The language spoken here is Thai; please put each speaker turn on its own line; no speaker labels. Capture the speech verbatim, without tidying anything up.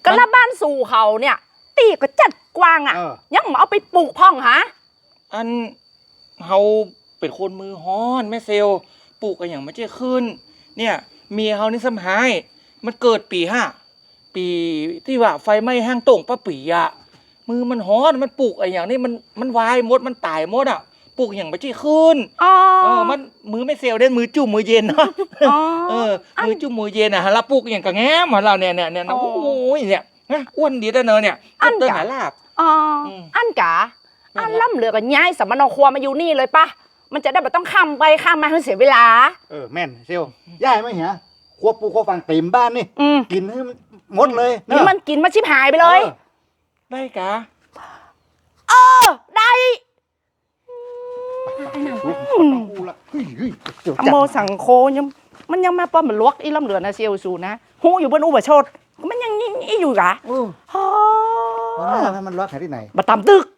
ก็ละบ้านสู่เขาเนี่ยตีก็จัดกว้างอ่ะยังมาเอาไปปลูกพ่องฮะ
อันเฮาเป็นคนมือฮ้อนแม่เซลปลูกกันอย่างไม่เจ้ขึ้นเนี่ยเมียเฮานี่สำหายมันเกิดปีห้าปีที่ว่าไฟไหม้ห้างโต่งป้าปีอะมือมันฮ้อนมันปลูกอะไรอย่างนี้มันมันวายหมดมันตายหมดอ่ะปลูกอย่างไม่เจ้ขึ้นเออมันมือไม่เซลเด่นมือจุ่มมือเย็นเนาะเออมือจุ่มมือเย็นอ่ะเราปลูกอย่างกระแง้มของเราเนี่ยเนี่ยเนี่ยโอ้โหเนี่ยนะอ้วนดีแต่เนอะเนี่ยอันเตอร์หาลาบ
อ๋ออันกะอันล่ำเหลือกันย้ายสมณครัวมาอยู่นี่เลยปะมันจะได้แบบต้องข้ามไปข้ามมาให้เสียเวลา
เออแม่นเซลย่ายไหมเหียครัวปูครัวฟังเต็มบ้านนี่กินให้มันหมดเลย
นี่มันกินมาชิบหายไปเลย
ได้กะ
เออได้โมสังโคยังมันยังมาป้อมมันลวกอีล่ำเหลือนะเซียวสูนะหูอยู่บนอุบะโชดมันยังนี่อยู่กะ
โอ้โหมันลวกที่ไหน
มาตามตึก